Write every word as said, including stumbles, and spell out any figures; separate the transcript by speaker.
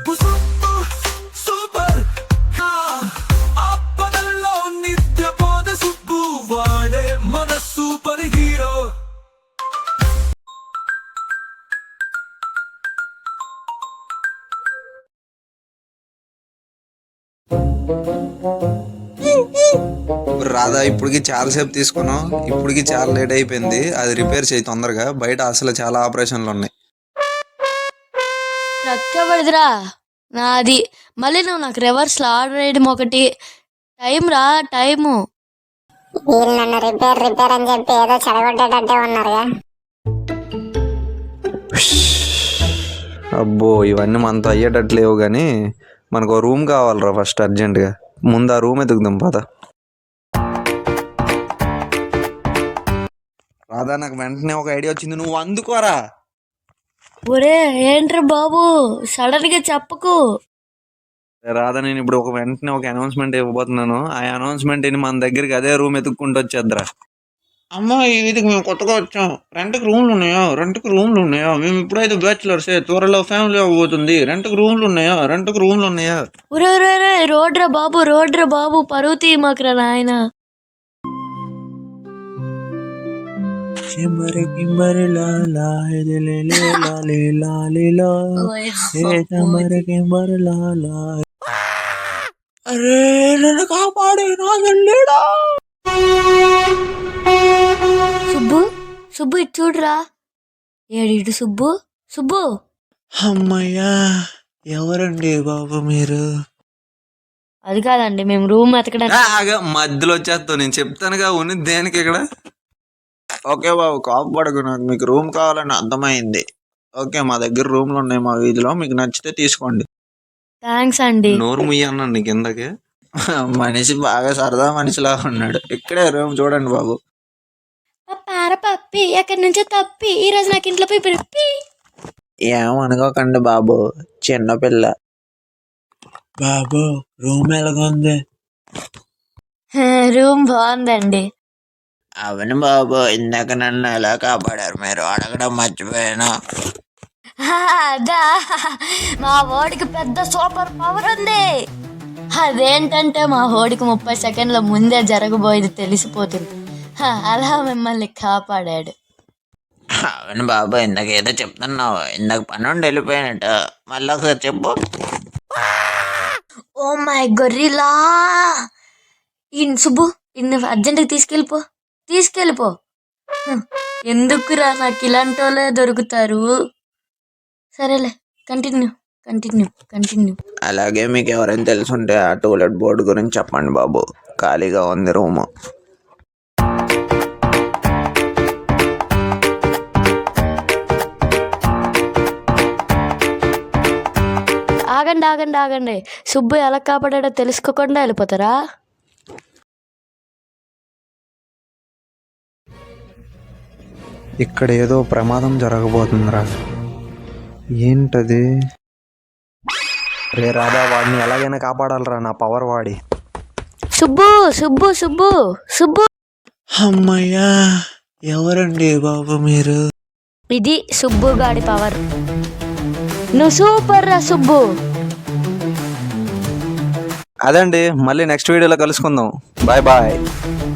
Speaker 1: Subbu Subbu super ఆపదల్లో నిద్రపోద సుబ్బు వాడే మన సూపర్ హీరో.
Speaker 2: రాధా ఇప్పటికి చాలాసేపు తీసుకున్నాం, ఇప్పటికి చాలా లేట్ అయిపోయింది. అది రిపేర్ చేయి తొందరగా, బయట అసలు చాలా ఆపరేషన్లు ఉన్నాయి.
Speaker 3: రక్కబడిదిరా నాది. మళ్ళీ నువ్వు నాకు రివర్స్లో ఆర్డర్ వేయడం ఒకటి. టైం రా టైము.
Speaker 4: వీళ్ళు నన్ను రిపేర్ రిపేర్ అని చెప్పి ఏదో చెడగొట్టేటట్టే ఉన్నారుగా.
Speaker 2: అబ్బో ఇవన్నీ మనతో అయ్యేటట్లేవు, కానీ మనకు ఒక రూమ్ కావాలరా ఫస్ట్ అర్జెంటుగా. ముందు ఆ రూమ్ ఎదుగుదాం పద. రాధా నాకు వెంటనే ఒక ఐడియా వచ్చింది, నువ్వు అందుకోరా.
Speaker 3: ఒరే ఏంట్రా బాబు సడన్ గా చెప్పకు.
Speaker 2: రాధా నేను ఇప్పుడు ఒక వెంటనే ఒక అనౌన్స్మెంట్ ఇవ్వబోతున్నాను. ఆ అనౌన్స్మెంట్ మన దగ్గరికి అదే రూమ్ ఎత్తుక్కుంటూ వచ్చేద్దరా.
Speaker 5: అమ్మా ఇది మేము కొత్తగా వచ్చాం. రెంట్కి రూమ్లు ఉన్నాయా? రెంట్కి రూమ్లు ఉన్నాయా? మేము ఇప్పుడైతే బ్యాచులర్సే, త్వరలో ఫ్యామిలీ అవ్వబోతుంది. రెంట్కి రూమ్లు ఉన్నాయా? రెంట్కి రూమ్లు ఉన్నాయా?
Speaker 3: ఒరే ఒరే ఒరే రోడ్రా బాబు రోడ్రా బాబు పరువు తీయమాకరా నాయన.
Speaker 5: అరే నన్ను కాపాడే నాగలేడా.
Speaker 3: సుబ్బు సుబ్బు ఇటు చూడరా. ఏడు ఇటు సుబ్బు సుబ్బు.
Speaker 5: అమ్మయ్యా ఎవరండి బాబు మీరు?
Speaker 3: అది కాదండి మేము రూమ్ ఎతకడానికి.
Speaker 2: మధ్యలో వచ్చేస్తావు, నేను చెప్తానుగా ఉన్ని దేనికి ఇక్కడ.
Speaker 5: ఓకే బాబు కాపాడకు, నాకు మీకు రూమ్ కావాలని అర్థమైంది. ఓకే మా దగ్గర రూమ్లు ఉన్నాయి మా వీధిలో, మీకు నచ్చితే తీసుకోండి.
Speaker 3: థ్యాంక్స్ అండి.
Speaker 2: నోరు ముయ్య అన్నాను నీకు ఇందాకే.
Speaker 5: మనిషి బాగా సరదా మనిషిలా ఉన్నాడు. ఇక్కడే రూమ్ చూడండి బాబు.
Speaker 3: పార పప్పి ఎక్కడి నుంచో తప్పి ఈ రోజు నాకు ఇంట్లో పోయి పిప్పి.
Speaker 5: ఏమనుకోకండి బాబు, చిన్నపిల్ల. బాబు రూమ్ ఎలాగుంది?
Speaker 3: రూమ్ బాగుందండి.
Speaker 5: అవును బాబు, ఇందాక నన్ను ఎలా కాపాడారు మీరు అడగడం మర్చిపోయాను.
Speaker 3: అదా మా ఓడికి పెద్ద సూపర్ పవర్ ఉంది. అదేంటంటే మా ఓడికి ముప్పై సెకండ్ల ముందే జరగబోయేది తెలిసిపోతుంది. అలా మిమ్మల్ని కాపాడాడు.
Speaker 5: అవును బాబు, ఇందాక ఏదో చెప్తున్నావు. ఇందాక పని ఉండి వెళ్ళిపోయినట్టు, మళ్ళీ ఒకసారి చెప్పు.
Speaker 3: ఓ మై గొర్రెలా. ఇన్ సుబ్బు ఇన్ని అర్జెంట్గా తీసుకెళ్ళిపో తీసుకెళ్ళిపో. ఎందుకురా నాకు ఇలాంటి వాళ్ళే దొరుకుతారు. సరేలే కంటిన్యూ కంటిన్యూ కంటిన్యూ.
Speaker 5: అలాగే మీకు ఎవరైనా తెలుసుంటే ఆ టూలెట్ బోర్డు గురించి చెప్పండి బాబు, ఖాళీగా ఉంది రూము.
Speaker 3: ఆగండి ఆగండి ఆగండి. సుబ్బు ఎలా కాపాడాడో తెలుసుకోకుండా వెళ్ళిపోతారా?
Speaker 2: ఇక్కడ ఏదో ప్రమాదం జరగబోతుందిరా. ఏంటది? రే రాధా వాడిని ఎలాగైనా కాపాడాలరా, నా పవర్ వాడి.
Speaker 3: సుబ్బు సుబ్బు సుబ్బు సుబ్బు.
Speaker 5: అమ్మయ్యా ఎవరండి బాబు మీరు?
Speaker 3: ఇది సుబ్బు గాడి పవర్. నువ్వు సూపర్ రా సుబ్బు.
Speaker 2: అదండి, మళ్ళీ నెక్స్ట్ వీడియోలో కలుసుకుందాం. Bye bye.